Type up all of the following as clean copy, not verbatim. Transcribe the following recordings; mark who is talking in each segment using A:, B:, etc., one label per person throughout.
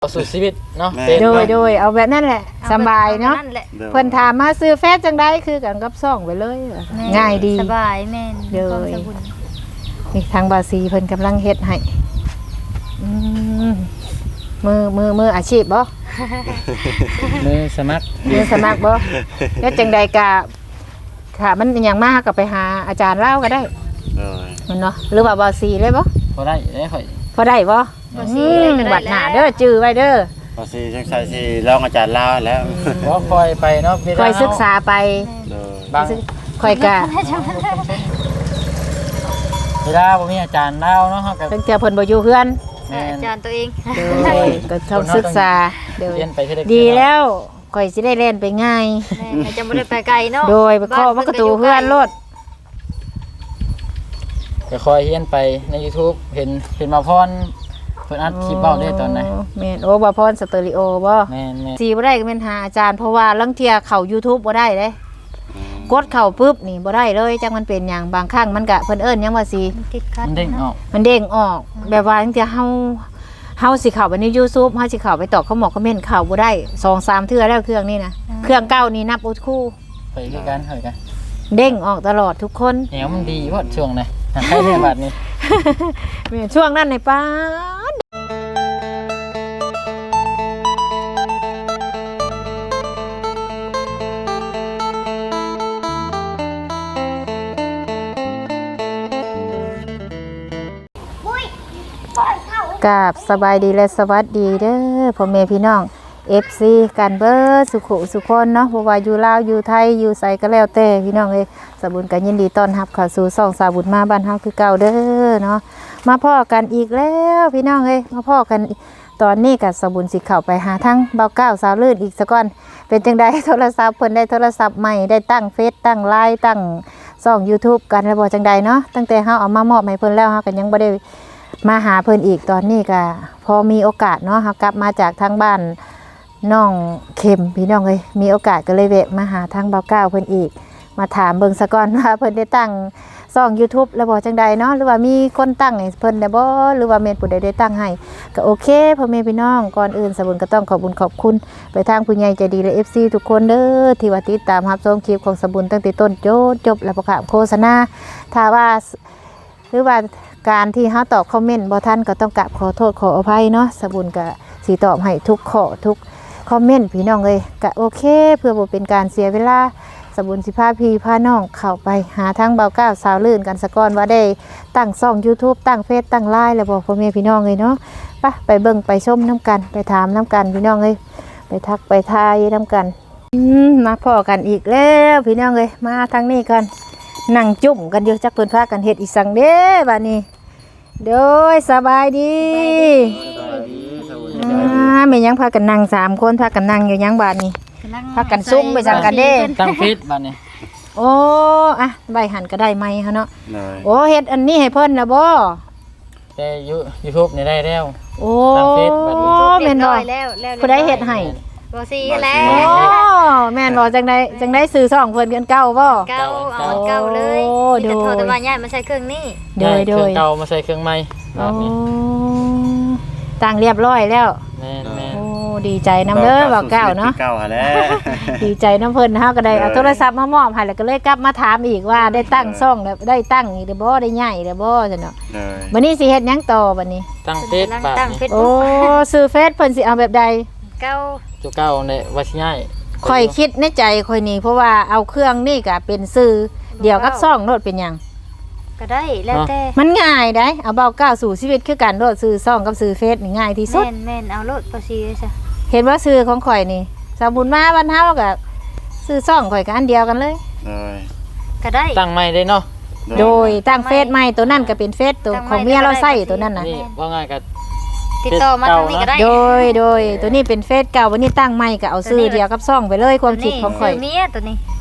A: เอาสู่ชีวิตเนาะ
B: โดยเอาแบบนั้นแหละสบายเนาะเพิ่นถามมาซื้อแฟจังได๋คือกันกับซ่องไปเลยง่ายดี
C: สบายแม่น
B: เด้อนี่ทางบาซีเพิ่นกำลังเฮ็ดให้มืออาชีพบ่
A: มือสมัคร
B: บ่แล้วจังใดก็ค่ะมันหยังมาก็ไปหาอาจารย์เล่าก็ได้มันเนาะหรือว่าบาซีเลยบ่
A: พอได้ข่อย
B: พอได้บ่บัดหน้าเด้อจื้อไว้เด้อ
D: พอสิจังไสสิลองอาจารย์ลาวแล้ว
A: บ่คอยไปเนาะ
B: คอยศึกษาไป
A: บาง
B: คอยก็
A: เวลาบ่มีอาจารย์ลาวเนาะเฮาก็
B: ตั้งแต่เพิ่นบ่อยู่เฮือน
C: อาจารย์ตัวเอง
B: ก็ต้องศึกษา
A: เรียนไป
B: ดีแล้วข่อยสิได้เล่นไปง่าย
C: จะบ่ได้ไปไกลเนาะ
B: โดยไปเคาะประตูเฮือนโลด
A: ก็คอยเรียนไปใน YouTube เห็นมาพรเพิ่นอัดคลิปเว้าได้ตอนไหน
B: แม่นโอ้บ่พรสเตอริโอบ่
A: แม่น
B: สิบ่ได้ก็แม่นหาอาจารย์เพราะว่าลางเที่ยเข้า YouTube บ่ได้เด้กดเข้าปึ๊บนี่บ่ได้เลยจังมันเป็นหยังบางครั้งมันก็เพิ่นเอิ้นหยังว่าสิ
A: มันเด้งออก
B: แบบว่าลางเที่ยเฮาสิเข้าไปใน YouTube เฮาสิเข้าไปตอบคำเมนต์เข้าบ่ได้ 2-3 เทื่อแล้วเครื่องนี้นะเครื่องเก่านี่นับอุดคู่
A: ไปคือกันเฮ้ยกัน
B: เด้งออกตลอดทุกคน
A: แนวมันดีพอช่วงไหนใครเนี่ยบัดนี้
B: แม่ช่วงนั้นในป้ากับสบายดีและสวัสดีเด้อพ่อแม่พี่น้อง FC กันเบิดสุขสุคนเนาะบ่ว่าอยู่ลาวอยู่ไทยอยู่ไสก็แล้วแต่พี่น้องเอ้ยสบุญก็ยินดีต้อนรับเข้าสู่ช่องสาบุญมาบ้านเฮาคือเก่าเด้อเนาะมาพ้อกันอีกแล้วพี่น้องเอ้ยมาพ้อกันตอนนี้ก็สบุญสิเข้าไปหาทั้งเบาเก้าสาวลื่นอีกซะก่อนเป็นจังได๋โทรศัพท์เพิ่นได้โทรศัพท์ใหม่ได้ตั้งเฟซตั้งไลน์ตั้งช่อง YouTube กันแล้วบ่จังได๋เนาะตั้งแต่เฮาเอามามอบให้เพิ่นแล้วเฮาก็ยังบ่ได้มาหาเพิ่นอีกตอนนี้ก็พอมีโอกาสเนาะเฮากลับมาจากทางบ้านน้องเข็มพี่น้องเลยมีโอกาสก็เลยแวะมาหาทางเบาเก้าเพิ่นอีกมาถามเบิ่งซะก่อนว่าเพิ่นได้ตั้งช่อง YouTube แล้วบ่จังใดเนาะหรือว่ามีคนตั้งให้เพิ่นได้บ่หรือว่าแม่นผู้ใดได้ตั้งให้ก็โอเคพ่อแม่พี่น้องก่อนอื่นสบุญก็ต้องขอบคุณขอบคุณไปทางผู้ใหญ่ใจดีและ FC ทุกคนเด้อที่ว่าติดตามรับชมคลิปของสบุญตั้งแต่ต้นจนจบและประกาศโฆษณาถ้าว่าหรือว่าการที่เฮาตอบคอมเมนต์บ่ทันก็ต้องกราบขอโทษขออภัยเนาะสบุญก็สิตอบให้ทุกข้อทุกคอมเมนต์พี่น้องเลยก็โอเคเพื่อบ่เป็นการเสียเวลาสบุญสิพาพี่พาน้องเข้าไปหาทางเบาเก้าสาวลื่นกันซะก่อนว่าได้ตั้งช่อง YouTube ตั้งเฟซตั้งไลน์แล้วบ่พ่อแม่พี่น้องเลยเนาะไปเบิ่งไปชมน้ำกันไปถามน้ำกันพี่น้องเลยไปทักไปทายน้ำกันมาพ้อกันอีกแล้วพี่น้องเลยมาทางนี้กันนั่งจุ่มกันอยู่จักเพิ่นพากันเฮ็ดอีสังเด้บัดนี้โดยสบายดีแม่ยังพากันนั่ง3คนพากันนั่งอยู่ยังบาดนี้พากันซุ่มไปจังกันเด้
A: ตั้งฟิตบัดนี้
B: โอ้อะใบหันก็ได้ไหมเฮาเนาะโอ้เฮ็ดอันนี้ให้เพิ่นน่ะบ่
A: แต่YouTube นี่ได้แล้ว
B: โอ้
A: ตั้งฟิตบัดนี้
B: แม่นบ่ผู้ใดเฮ็ดให้
C: บ่ซีแล้ว
B: โอ้แม่นบ่จังได้ซื้อช่องเพิ่นกันเก่าบ่
C: เก่าเอาเก่าเลยโดยแต่ว่าย้ายมาใช้เครื่องนี้
A: โดยเครื่องเก่ามาใส่เครื่องใหม่แบบนี้
B: ตั้งเรียบร้อยแล้ว
A: แม่
B: โอ้ดีใจนำเด้อว่าเก่าเนาะ
D: เก่าหาแล้ว
B: ดีใจนำเพิ่นเฮาก็ได้เอาโทรศัพท์มามอบให้แล้วก็เลยกลับมาถามอีกว่าได้ตั้งช่องแล้วได้ตั้งอีกได้บ่ได้ใหญ่ได้บ่ซั่นเนาะบัดนี้สิเฮ็ดหยังต่อบัดนี้
A: ตั้งเฟซบัดนี้
B: โอ้ซื้อเฟซเพิ่นสิเอาแบบใด
C: เก่า
A: ตัวเก่าเนี่ยว่าสิง่าย
B: ค่อยคิดในใจค่อยนี่เพราะว่าเอาเครื่องนี่ก็เป็นซื้อเดี๋ยวกับช่องโลดเป็นหยัง
C: ก็ได้แล้วแต่
B: มันง่ายได้เอาเบาก้าวสู่ชีวิตคือการโลดซื้อช่องกับซื้อเฟซนี่ง่ายที่สุด
C: แม่นเอาโลดบ่ซีซะ
B: เห็นว่าซื้อของข่อยนี่สาบุญมาบ้านเฮาก็ซื้อช่องข่อยก็อันเดียวกันเลย
C: ก็ได้
A: ตั้งใหม่ได้เนาะ
B: โดยตั้งเฟซใหม่ตัวนั้นก็เป็นเฟซตัวของเมียเราใช้ตัวนั้นน่ะ
A: นี่ว่าง่ายก็
C: ติดต่อมาทางนี้ก็ได้
B: โดยตัวนี้เป็นเฟซเก่าวันนี้ตั้งใหม่ก็เอาซื้อเดียวกับช่องไปเลยความคิดของข่อย
C: เมียตัวนี้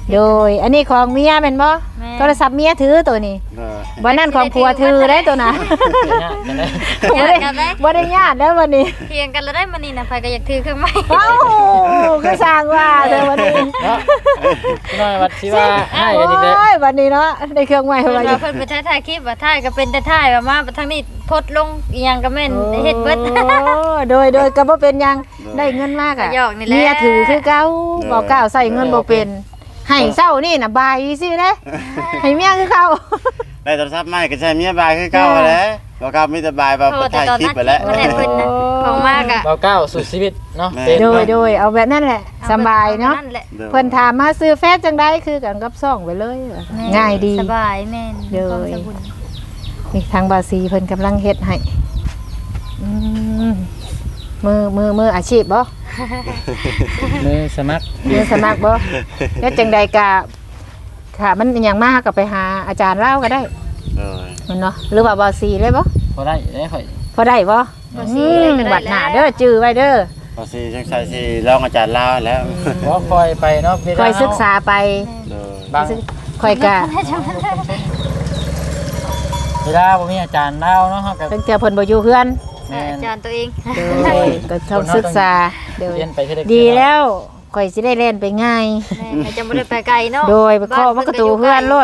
B: โดยอันนี้ของเมียแม่นบ่
C: แม่
B: โทรศัพท์เมียถือตัวนี้
D: เออ
B: วันนั้นของผัวถือได้ตัวน่ะ
A: เดี๋ยวนะเดี๋ยวนะ
C: ญาติกันได้
B: บ่ได้ญาติแล้ววันนี้
C: เถียงกันแล้วได้มื้อนี้น่ะไผก็อยากถือเครื่องไม้
B: เอ้าก็สร้างว่าเด้อวันนี้
A: เนาะพี่น้อยวัดที่ว่าให้กันอีกแล้ว
B: โอ้ยวันนี้เนาะได้เครื่องใหม่
C: เพิ่น
B: มาอ
C: ว่า
B: ยู่
C: เพิ่นไปถ่ายคลิปว่าถ่ายก็เป็นแต่ถ่ายว่ามาทางนี้โพสต์ลงอีหยังก็แม่นเฮ็ดเบิด
B: โดยก็บ่เป็นหยังได้เงินมากอ่ะ
C: ก็หยอกนี่แหละ
B: เมียถือคือเก่าบอกเก่าใส่เงินบ่เป็นให้เช้านี่น่ะบายสิเด้ให้เมียคือเก่า
D: ได้โทรศัพท์ใหม่ก็ใช้เมียบายคือเก่าแหล้วบ่ครับมีแต่บายแบบถ่ายคลิปไปแล้ว
C: ก็ได้เพิ่นน่ะของมากอ่ะ
A: เราก้าวสู่ชีวิตเนาะ
D: แม่
A: เป็น
B: โด
A: เนาะ
B: ยเอาแบบนั้นแหละสบายเนาะ
C: แหละ
B: เพิ่นถามมาซื้อแฟซจังได๋คือกันกับซ่องไปเลย
C: แม่
B: ง่ายดี
C: สบายแม่น
B: เด้อ
C: ความสบุญ
B: นี่ทางบาซีเพิ่นกำลังเฮ็ดให้อืมมืออาชีพบ่
A: มือสมัคร
B: มือสมัครบ่แล้วจังใดก็ค่ะมันอหยังมากก็ไปหาอาจารย์เล่าก็ได้
D: เออ
B: มันเนาะหรือว่าบาซีเลยบ่
A: พอได้ได้ข่อย
B: พอได้บ่บัดหน้าเด้อจื้อไว้เด้อ
D: พอสิจังไสสิลองอาจารย์ลาวแล้ว
A: ขอคอยไปเนาะ
B: คอยศึกษาไป
D: เออบ
A: าง
B: คอยก็
A: เวลาบ่มีอาจารย์เล่าเนาะเฮาก็
B: เพิ่นเทื่อเพิ่นบ่อยู่เฮือน
A: แม่น
C: อาจารย์ตัวเอง
B: เด้อก็ต้องศึกษาเด้อ
A: เรียนไปเทื่อใ
B: ดีแล้วข่อยสิได้เล่นไปง่าย
C: แม่จะบ่ได้ไปไกลเนาะ
B: โดยไปเคาะประตูเพื่อนรถ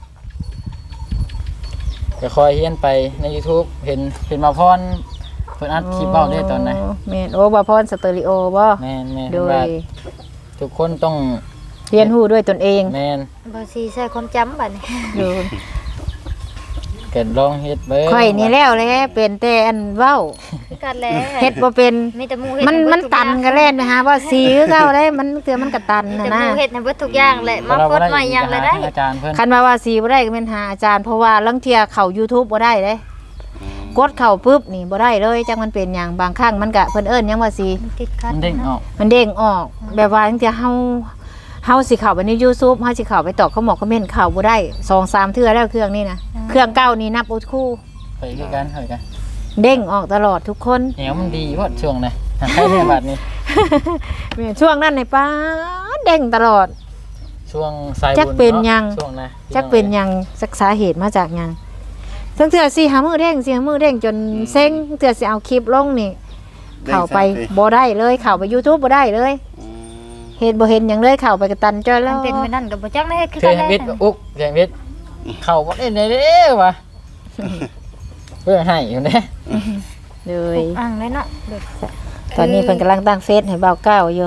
A: ก็คอยเรียนไปใน YouTube เห็นมาพรเพิ่นอัดคลิปเว้าได้ตอนไหน
B: แม่นโอ้บ่พรสเตอริโอบ่
A: แม่น
B: โด
A: ว่าย ทุกคนต้อง
B: เรียนรู้ด้วยตนเอง
A: แม่น
C: บ่สิใช้ความจำบัดนี้
B: ดู
A: เกิดลองเฮ็ดเบิ่ง
B: ข่อยนี่แล้วเลยเป็นแต่อันเว้า
C: คือกันแหละ
B: เฮ็ดบ่เป็น
C: มีแต่หมู่เฮ็ด
B: มันตันก็เล่นนะฮะว่าสีคือเก่าได้มันเถื่อมันก็ตัน
C: แต่
B: นะ
C: ห
B: นะ
C: มู่เฮ็ดให้เบิดทุกอย่างแหละมาโพสต์ใหม่หยังเลยได้
A: อาจารย์เพิ่น
B: คันว่าสีบ่ได้ก็แม่นหาอาจารย์เพราะว่าลางเที่ยเข้า YouTube บ่ได้เด้กดเข้าปุ๊บนี่บ่ได้เลยจังมันเป็นหยังบางครั้งมันก็เพิ่นเอิ้นหยังว่าสี
C: ติดขัด
A: มันเด้งออก
B: มันเด้งออกแบบว่าตั้งแต่เฮาสิเข้าไปใน YouTube เฮาสิเข้าไปตอบคอมเมนต์เข้าบ่ได้ 2-3 เทื่อแล้วเครื่องนี้นะเครื่องเก่านี่นับอุดคู่
A: ไปคือกันเฮ้ยกัน
B: เด้งออกตลอดทุกคน
A: เหนียวมันดีเพราะช่วงไหนหาใครเนี่ยบัดนี้
B: แม่ช่วงนั้นในป้าเด้งตลอด
A: ช่วงสายบุญ
B: จักเป็นหยัง
A: ช่วงนะ
B: จักเป็นหยังสักสาเหตุมาจากหยังทั้งเทื่อสิหามือเด้งสิหามือเด้งจนเซ็งเทื่อสิเอาคลิปลงนี่เข้าไปบ่ได้เลยเข้าไป YouTube บ่ได้เลย
D: อืม
B: เห็นบ่เห็นหยังเลยเข้าไปกระตันจ้อยแล้
C: มัน
B: ว
C: เป็นมื้อนั้นก็บ่จักได้เฮ็ดคือ
A: เท
C: กัน
A: ย
C: แห
A: วิทย์
C: ละ
A: อุกเทยวิทย์เข้าบ่ได้เลยเด้อวะเพื่อให้อยู่เด้
B: เลย
C: อ่างเลยเนาะ
B: ตอนนี้เพิ่นกำลังตั้งเฟซให้เบาเก้าอยู่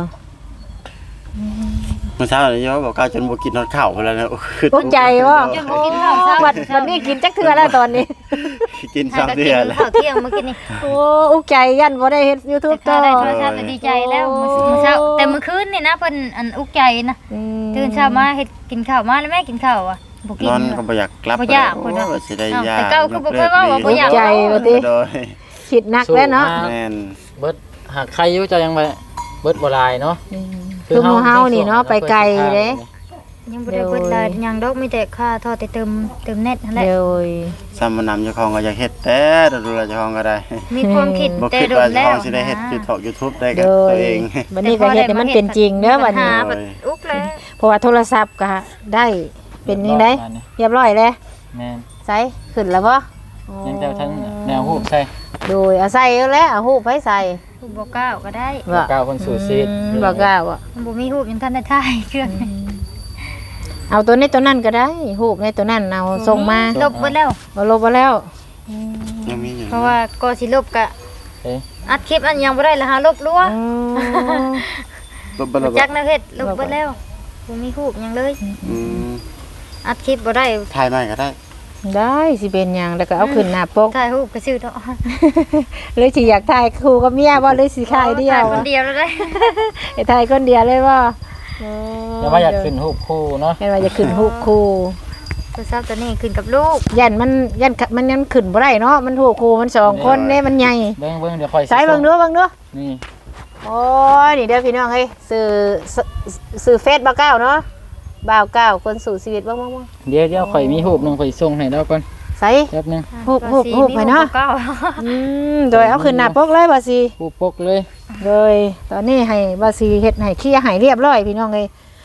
D: เมื่อเช้านี่โยบอกก้าวจนบ่กินนอนข้าวพุ่นแล้วนะคือ
B: ภูมิใจว่า
C: จนบ่กินข้าวเช้า
B: วันนี้กินจักเทื่อแล้วตอนนี้
D: กิน
C: หา
D: 2
C: ก็
D: เดื
C: กิ
D: อน
C: น
D: แล้ว
C: ข้าวเที่ยงเมื่อกี้นี่
B: โอ้อุกใจยันบ่ได้เฮ็ด YouTube
C: แต่
B: ต่อ
C: ได้โทรศัพท์ก็ดีใจแล้วมื้อเช้าแต่มื้อคืนนี่นะเพิ่นอันอุกใจนะ
B: อืม
C: ตื่นเช้ามาเฮ็ดกินข้าวมาแล้วแม่กินข้าวอ่ะบ่กิน
D: นอนก็บ่อยากกลับ
C: บ่อยากพุ่น
D: โอ้
C: น่ะ
D: สิได้ยา
C: แต่เก่าคือบ่ค่อยว่าบ่อยาก
B: ใจว่าติ
D: โดย
B: คิดหนักแล้วเนาะ
D: แม่น
A: เบิดหากใครอยู่จะยังไปเบิดบ่ลายเนาะ
B: คือหมู่เฮานี่เนาะไปไกลเด้
C: ยังบ่ได้เบิดลายหยังดอกมีแต่ค่าทอดแต่เติมเน็ตนั่นแหละ
B: เดี๋ยว
D: ซ้ำมานำเจ้าของก็อยากเฮ็ดแต่ดูแลเจ้าของก็ได้
C: มีความคิด
D: บ่
C: แต่
D: คิด
C: โด
D: ว่าน เจ้า
C: แล้
D: ข
C: ว
D: องสิได้เฮ็ด YouTube ได้กับ
B: เดี๋ยว
D: ตัวเอง
B: วันนี้ก็เฮ็ดให้มันเป็นจริงเด้อวันนี้
C: หาบัดอุกแล้ว
B: เพราะว่าโทรศัพท์ก็ได้เป็นยังไงเรียบร้อยแล้ว
A: แม่น
B: ใส่ขึ้นแล้วบ่
A: ยังแต่ทั้งแนวรูปใช่
B: โดยเอาใส่แล้วเอาฮูปให้ใส่
C: บ่ก้าวก็ได้
A: ก้าวคนสู่ชีวิต
B: บ่กล้าอ่ะ
C: บ่มีรูปยังทันได้ถ่ายเครื่อง
B: เอาตัวนี้ตัวนั้นก็ได้ฮูปในตัวนั้นเอาส่งมา
C: ลบเบิดแล้ว
B: บ่ลบบ่แล้ว
D: ยังมีอยู่
C: เพราะว่าก็สิลบก็
A: เอ๊ะ
C: อัดคลิปอันยังบ่ได้แล้วหาลบรัว
B: อ๋อ
D: บ่บ่
C: จักนะเฮ็ดลบเบิดแล้วบ่มีรูปหยังเลย
D: อืม
C: อัดคลิปบ่ได้
D: ถ่ายใหม่ก็ได้
B: ได้สิเป็นหยังแล้วก็เอาขึ้นหน้าปก
C: ถ่ายรูปก็ซื้อเนาะ
B: เลยสิอยากถ่ายคู่กับเมียบ่เลยสิถ่ายเดียว
C: ถ่ายคนเดียวแล้วได้
B: ให้ถ่ายคนเดียวเลยบ่
A: ยังว่าอยากขึ้นรูปคู่เนาะ
B: เห็นว่าจะขึ้นฮูปคู่
C: โทรศัพท์ตัวนี้ขึ้นกับลูก
B: ยันมันยันขึ้นบ่ได้เนาะมันฮูปคู่มันสองคนเด้มันใหญ่
A: เบิ่งเดี๋ยวคอย
B: ใส่เบิ่งดู
A: นี่
B: โอ้ยนี่เด้อพี่น้องเฮ้ยสื่อเฟซบ่าวเก้าเนาะบ่าวเก้าคนสู่ชีวิตบ้าง
A: เดี๋ยวคอยมีรูปนึงคอยส่งให้แล้วก่อน
B: ใส่
A: แป๊บนึง
B: ฮูบไปเนาะ
C: เก้า
B: โดยเอาขึ้นหน้าปกเลยบ่สิ
A: รูปปกเลย
B: โดยตอนนี้ให้บ่สิเฮ็ดให้เคลียร์ให้เรียบร้อยพี่น้องเอ้ย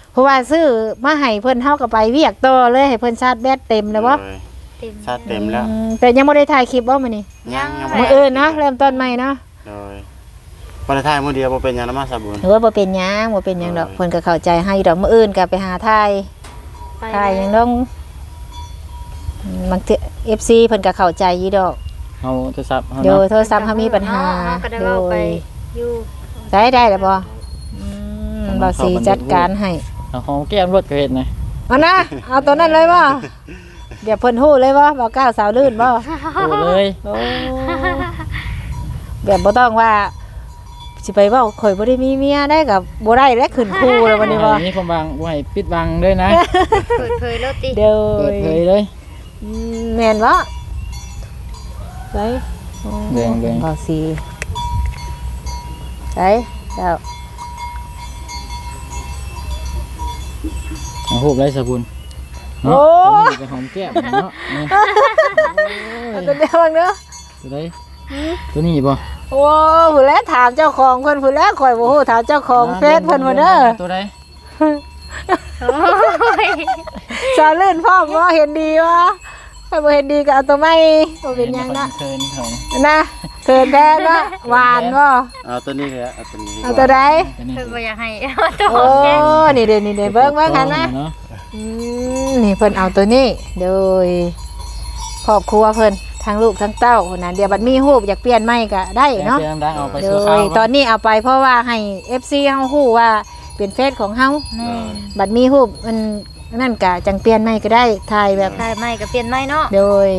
B: เพราะว่าซื้อมาให้เพิ่นเฮาก็ไปเวียกต่อเลยให้เพิ่นชาร์จแบตเต็มแล้วบ่
C: เต็ม
D: ชาติเต็มแล้ว
B: แต่ยังบ่ได้ถ่ายคลิปบ่มื้อนี้
D: ยัง
B: มื้ออื่นเนาะเริ่มต้นใหม่เนาะ
D: โดยบ่ได้ถ่ายมื้อเดียวบ่เป็นหยังนะมาสาบุญ
B: หรือว่าบ่เป็นหยังบ่เป็นหยังดอกเพิ่นก็เข้าใจให้ดอกมื้ออื่นก็ไปหาถ่าย
C: ไป
B: ถ่ายหยังดองบางที FC เพิ่นก็เข้าใจอยู่ดอก
A: เฮาโทรศัพท์เฮา
B: โดย
A: เนาะ
B: โทรศัพท์เฮามีปัญหา
C: ก็ได้
B: โด
C: เว้าไป
B: ย
C: อยู่
B: ได้แล้วบ่บ่าวสีจัดการให้
A: เอาหอมแก้มรถก็เฮ็ดนะ
B: เอานะเอาตัวนั้นเลยบ่เดี๋ยวเพิ่นฮู้เลยบ่บ่าวก้าวสาวลื่นบ่
A: โอ้เลย
B: โอ้แบบบ่ต้องว่าสิไปเว้าข่อยบ่ได้มีเมียได้กับบ่ได้และขึ้นคู่แล้ววันนี้บ่
A: มีความบังบ่ให้ปิดบังด้วยนะ
C: เปิดเผยแล้วติ
B: เด้อ
A: เปิดเผยเลย
B: แม่นบ่ไป
A: แดงๆ
B: บ่าวสีไปเจ้า
A: เอารูปไรสบุญ
B: โอ้
A: เนาะไปหอมแก้มเนาะนี่
B: เอาตัวเดียวเด้อ
A: ตัวใดตัวนี้บ่
B: โอ้ผู้แลถามเจ้าของเพิ่นผู้แลข่อยบ่ฮู้ถามเจ้าของเฟซเพิ่นบ่เด้อ
A: ตัวใด
C: โอ้ย
B: สาวลื่นพ่อบ่เห็นดีวะถ้าบ่เห็นดีก็เอาตัวใหม่บ่เป็นหยังนะ
A: เคินเขา
B: นะเกินแท้เนาะหวานบ่
D: เอาตัวนี้เลยเอาตัวนี้ดีก
B: เอา
D: ว่า
B: ตัวใด
A: ตัวนี้
C: เพิ่นบ่อยากให้เอาตัว
B: โอ้
C: แก้ม
B: นี่เด้เบิ่งหันนะ
A: เนาะ
B: นี่เพิ่นเอาตัวนี้โดยครอบครัวเพิ่นทั้งลูกทั้งเต้าคนนั้นเดี๋ยวบัดมีรูปอยากเปลี่ยนใหม่ก็ได้เนาะ
A: เนาะเอาไป
B: โด
A: สู่ข้าวย
B: ตอนนี้เอาไปเพราะว่าให้ FC เฮาฮู้ว่าเป็นเฟซของเฮา
C: แม่
B: บัดมีรูปมันนั่นก็จังเปลี่ยนใหม่ก็ได้ถ่ายแบบ
C: ได้ไหมก็เปลี่ยนไหมเนาะ
B: โดย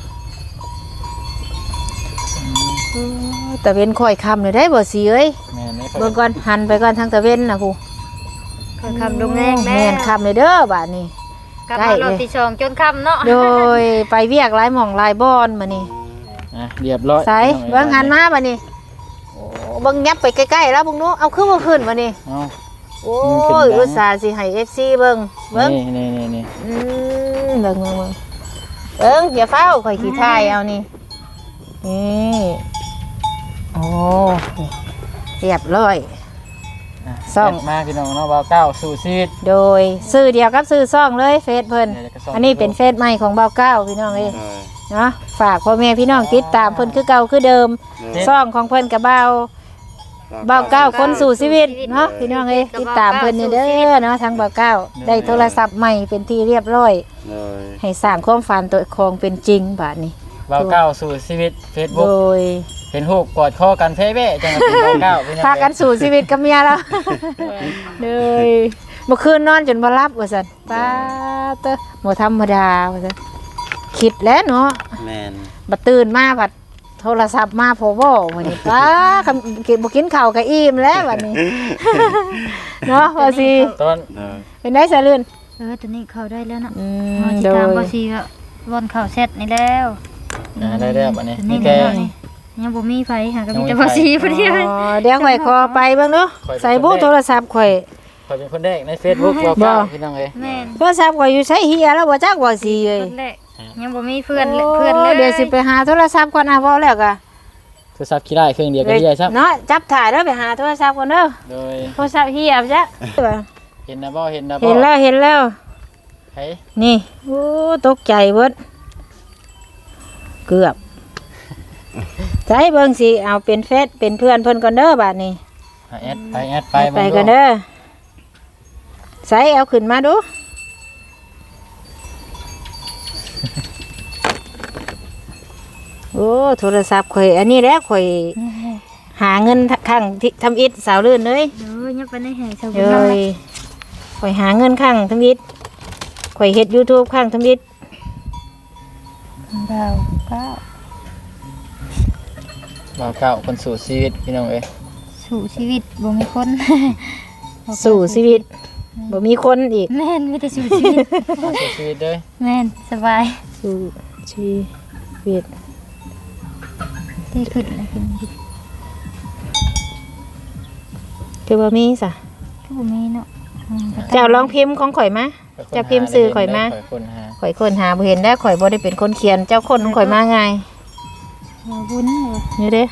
B: ตะเวนค่อยค่ำเลยได้บ่สิเอ้ย
A: แม่นี่
B: เบิ่งก่อนหันไปก่อนทางตะเวนน่ะผู้
C: เพิ่นคำลงแรงแน่
B: แม่นค่ำเลยเด้อบาดนี้
C: กลับมารอบที่สองจนค่ำเนาะ
B: โดยไปเวียกหลายหม่องหลายบอนมื้อนี้
A: อ่ะเรียบร้อย
B: ใส่เบิ่งหันมาบัดนี้โอ้เบิ่งยับไปใกล้ๆแล้วพวกหนูเอาขึ้นบ่ขึ้นบัดนี้
A: เอา
B: โอ้ยอุตส่าห์สิให้ FC เบิ่งเบิ่ง
A: นี่
B: เบิ่งอย่าเฝ้าข่อยขี้ทายเอานี่นี่โอ้เรียบร้อย ซ่อง
A: มาพี่น้องเนาะบ่าวเก้าสู่ชีวิต
B: โดยซื้อเดียวกับซื้อซ่องเลยเฟซเพิ่น
A: เดี๋ยวจะซ่อง
B: อันนี้เป็นเฟซใหม่ของเบาเก้าพี่น้องเอ้ย
D: เออ
B: เนาะฝากพ่อแม่พี่น้องติดตามเพิ่นคือเก่าคือเดิม
D: เออ
B: ซ่องของเพิ่นกับเบาเก้าคนสู่ชีวิตเนาะพี่น้องเอ้ยติดตามเพิ่นนี่เด้อเนาะทางเบาเก้าได้โทรศัพท์ใหม่เป็นที่เรียบร้อย
D: เลย
B: ให้สร้างความฝันตัวของเป็นจริงบาดนี้
A: บ่าวเก้าสู่ชีวิต
B: โด
A: Facebook
B: ย
A: เห็นรูปกอดคอกันเพ่เบ้จังเป็นบ่าวเก้าพี่น้อง
B: พากันสู่ชีวิตกับเมียแล้วเลยเมื่อคืนนอนจนบ่หลับว่าซั่นป้าเตอบ่ธรรมดาว่าซั่นคิดแล้วเนาะ
D: แม่น
B: บัดตื่นมาบัดโทรศัพท์มาพอเว้าวันนี้ป้าคำกินบ่กินข้าวก็อิ่มแล้วบัดนี้ เนาะว่าสิ
A: ตอน
D: เลย
B: เป็นได้ซะลื่น
C: ตัวนี้เข้าได้แล้วเนาะ
B: ม
C: สิ
B: โด
C: ตาม
B: ย
C: บ่สิก็วนเข้าเซตนี่แล้ว
A: ได้แล้วบัดนี้
C: ตัว
A: มี
C: นี้
A: แค่
C: แล้วนี่ยังบ่มีไฟหาก็มีแต่บ่สิพอดีเลย
B: อ๋อเดี๋ยวข่อยขอไปเบิ่งเนาะใส่บูโทรศัพท์ข่อย
A: ข่อยเป็นคนแรกใน Facebook บ่าวเก้าพี่น้องเอ้ย
C: แม่น
B: โทรศัพท์ข่อยอยู่ใช้เฮียแล้วบ่จักว่าสิเอ้ย
C: คนแรกยังบ่มีเพื่อนเลยเพื่อนเลย
B: เดี๋ยวสิไปหาโทรศัพท์ก่อนนะเว้าแล้วก็
A: โทรศัพท์ขี้ได้เครื่องเดียวก็ได้ครับ
B: เนาะจับถ่ายเด้อไปหาโทรศัพท์ก่อนเด้อ
A: โดย
B: โทรศัพท์เฮียบจ้ะ
A: เห็นนะบ่เห็นนะบ่
B: เห็นแล้ว
A: เฮ้ย
B: นี่โอ้ตกใจเบิดเกือบใจเบิ่งสิเอาเป็นเฟซเป็นเพื่อนเพิ่นก่อนเด้อบาดนี้
A: แอดไป
B: ไปกันเด้อใส่เอาขึ้นมาดูโอ้โทรศัพท์ข่อยอันนี้แหละข่อยหาเงินข้างที่ทำอิฐสาวลื่นเลย
C: เดี๋ยวยังไปในแห่ชาว
B: เล
C: บ้าน
B: ยข่อยหาเงินข้างทำอิฐข่อยเฮ็ด YouTube ข้างทำอิฐ
C: ดาวเก้า
A: บ่าวเก้าคนสู่ชีวิตพี่น้องเอ้ย
C: สู่ชีวิตบ่มีคน
B: สู่ชีวิตบ่มีคนอีก
C: แม่นมีแต่สู่ชีวิต
A: สู่ชีวิตเด้อ
C: แม่นสบาย
B: สู่ชีวิต
C: ได้ขึ้นแล้วขึ้น
B: คือบ่มีซะ
C: ก็บ่มีเนาะ
B: เจ้าลองพิมพ์ของข่อยมาเจ้าพิมพ์สื่อข่อยมา
A: ข่อยคนหา
B: ข่อยค้นหาบ่เห็นได้ข่อยบ่ได้เป็นคนเขียนเจ้าคนของข่อยมาไง
C: บุญ
B: นี่เด้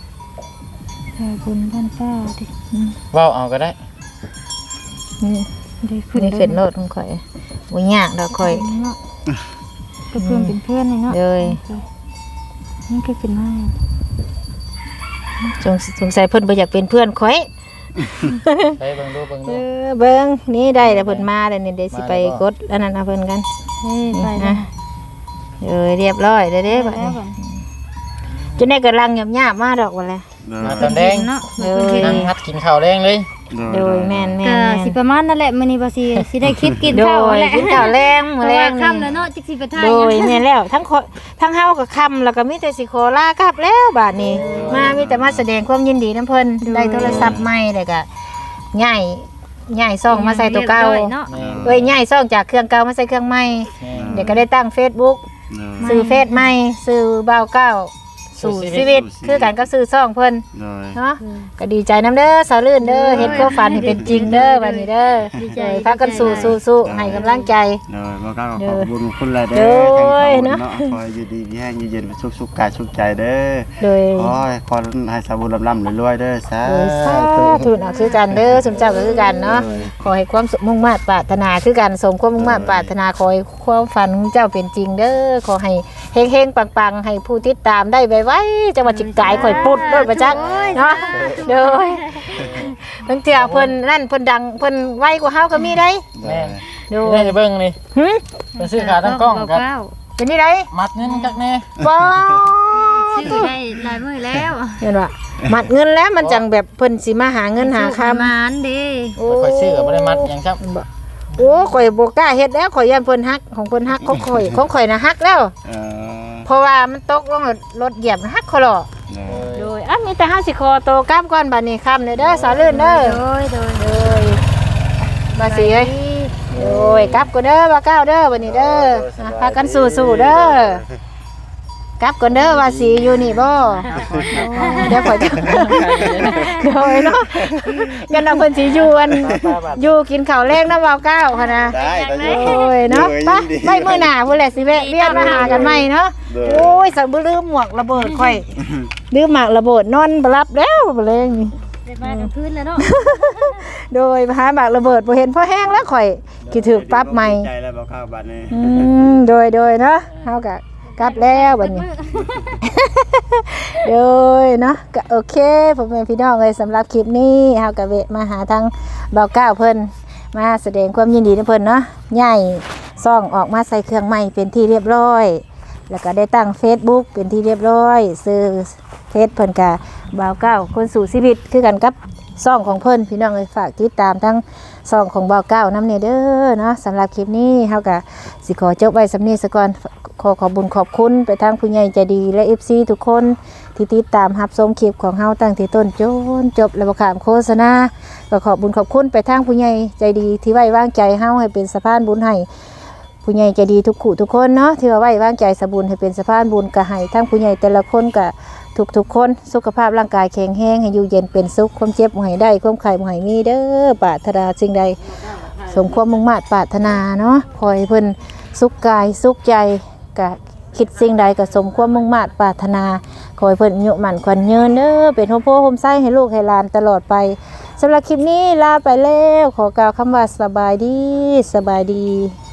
C: บุญบ้านป้าดิ
A: เว้าเอาก็ได้
B: นี่
C: ได้ขึ้น
B: ได้ขึ้นรถของข่อยบ่ยากดอกข่อย
C: เนาะก็เพื่อนเป็นเพื่อนนี่เนาะ
B: เลย
C: นี่ก็ขึ้นมา
B: สงสัยเพิ่นบ่อยากเป็นเพื่อนข่อย
A: ไปเบิ่งดูเบิ่ง
B: เอ
A: ดู
B: อเบิ่งนี่ได้แล้วเพิ่นมาแล้วนี่เดี๋ยวสิไปกดอันนั้นเอาเพิ่นกัน
C: เฮ้ย
B: นี่
C: ไป
B: นะ
C: นะ
B: เรียบร้อยเด้อเด้บัด
C: แล้
B: นี้
C: วก่อน
B: จนได้กำลังหยาบๆมาดอกว่าแหละ
A: มาตอนแดง
C: เนาะ
B: เออ
A: นั่งฮัดกินข้าวแดงเลย
B: โดยแม่น
C: ก็สิประมาณนั่นแหละมื้อนี้บ่สิได้คลิปกิน
B: โด
C: ข้าวย แหละ
B: กินข้าวแรงมื้อแรง
C: ค่ำ
B: นี่
C: แล้วเนาะจักสิไปถ่าย
B: โดยแม่นแล้วทั้งเฮากับคำแล้วก็มีแต่สิขอลากลับแล้วบาดนี้ มามีแต่มาแสดงความยินดีนํเพิ่นได้โทรศัพท์ใหม่แล้วก็ย้ายซ่องมาใส่ตัวเก่า
C: เนาะ
A: แม่
B: เอ้ยย้ายซ่องจากเครื่องเก่ามาใส่เครื่องใหม่
A: แม่
B: เดี๋ยวก็ได้ตั้ง Facebook ซื้อเฟซใหม่ซื้อบ่าวเก้าสู่ชีวิตคือกันก็ซื้อซ่องเพิ่น
D: โดย
B: เนาะก็ดีใจน้ำเด้อสาวลื่นเด้อเฮ็ดความฝันให้เป็นจริงเด้อบัดนี้เด้อพากันสู้ๆให้กำลังใจ
D: โดยบ่กล้าขอบคุณคุณหลายเด้
B: โด
D: อย ทั้งสอง
B: เนาะ
D: เนาะคอยอยู่ดีมีแห้งอยู่เย็นสุขกายสุขใจเด้อ
B: โดย
D: ขอให้สาบุญลำๆรวยๆเด้อสา
B: โดยสาธุนะคือกันเด้อสมเจ้าก็คือกันเนาะขอให้ความสุขมุ่งมา่ปรารถนาคือกันสมความมุ่งมา่ปรารถนาขอให้ความฝันของเจ้าเป็นจริงเด้อขอให้เฮงๆปังๆให้ผู้ติดตามได้ไวๆจังหวัดจิกกายข่อยปุดด้วยประจักษ์เนาะโดยบางเทื่อเพิ่นนั่นเพิ่นดังเพิ่นไวกว่าเฮาก็มีได้
A: แม่
B: โด
A: ได้
B: ย
A: จะเบิ่งนี่
B: หึ
A: ไปซื้อขาตั้งกล้องครับ
B: เป็นนี่ได
A: มัดเงินจักแน่
B: บ่
C: ซื้อได้หลายมื้อแล้ว
B: เห็นว่ามัดเงินแล้วมันจังแบบเพิ่นสิมาหาเงินหาคำ
C: มานเด้
A: ค่อยซื้อก็บ่ได้มัดหยังครับ
B: โอ้ข่อยบ่กล้าเฮ็ดแล้วข่อยย่านเพิ่นฮักของเพิ่นฮักของข่อยน่ะฮักแล้ว
D: เออ
B: เพราะว่ามันตกลงแล้วรถเหยียบฮักเขาหรอก
D: โดย
B: โดยอ่ะมีแต่ห้าสิคอโตกล้ามก่อนบัดนี้ค่ำเด้อสาวลื่นเด้อ
C: โดย
B: โดยบาสิเอ้ยโดยกลับก็เด้อบ่าก้าวเด้อบัดนี้เด้ออ่ะพากันสู้ๆเด้อกลับก่อนเด้อว่าสิอยู่นี่บ่เดี๋ยวข่อยจะโดยเนาะยันเอาเพิ่นสิอยู่อยู่กินข้าวแลงนำบ่าวก้าวหั่นน่ะ
D: ได้ได้
B: โอ้ยเนาะไปมื้อหน้าพุ่นแหละสิแวะเวียนมาหากันใหม่เนาะโอ้ยสักบ่ลืมหมวกระเบิดข่อยลืมหมากระเบิดนอนบ่รับแล้วบ่เลยนี่
C: ได้มากลางคืนแล้วเนาะ
B: โดยหาหมากระเบิดบ่เห็นพอแห้งแล้วข่อยคิดถึกปรั๊บใหม่
D: ใจแล้วบ่เข้าบัดนี้
B: โดยเนาะเฮาก็กลับแล้วบัดนี้ โดยเนาะก็โอเคพ่อแม่พี่น้องเอ้ยสำหรับคลิปนี้เฮาก็แวะมาหาทางบ่าวก้าวเพิ่นมาแสดงความยินดีนำเพิ่นเนาะใหญ่ซ่องออกมาใส่เครื่องใหม่เป็นที่เรียบร้อย แล้วก็ได้ตั้ง Facebook เป็นที่เรียบร้อยซื้อเฟซเพิ่นก็บ่าวก้าวคนสู่ชีวิตคือกันกับซ่องของเพิ่นพี่น้องเอ้ยฝากติดตามทั้งซ่องของบ่าวก้าวนำเด้อเนาะสำหรับคลิปนี้เฮาก็สิขอจบไว้สำนี้ซะก่อนขอบุญขอบคุณไปทางผู้ใหญ่ใจดีและ FC ทุกคนที่ติดตามรับชมคลิปของเฮาตั้งแต่ต้นจนจบและบ่ข้ามโฆษณาก็ขอบุญขอบคุณไปทางผู้ใหญ่ใจดีที่ไว้วางใจเฮาให้เป็นสะพานบุญให้ผู้ใหญ่ใจดีทุกคู่ทุกคนเนาะที่ว่าไว้วางใจสะบุญให้เป็นสะพานบุญก็ให้ทั้งผู้ใหญ่แต่ละคนก็ทุกคนสุขภาพร่างกายแข็งแรงให้อยู่เย็นเป็นสุขความเจ็บบ่ให้ได้ความไข้บ่ให้มีเด้อปรารถนาสิ่งใดสมความมุ่งมั่นปรารถนาเนาะขอให้เพิ่นสุขกายสุขใจก็คิดสิ่งใดก็สมความมุ่งมั่นปรารถนาขอให้เพิ่นอายุมั่นขวัญยืนเด้อเป็นโฮมโพโฮมไส้ให้ลูกให้หลานตลอดไปสำหรับคลิปนี้ลาไปแล้วขอกล่าวคำว่าสบายดี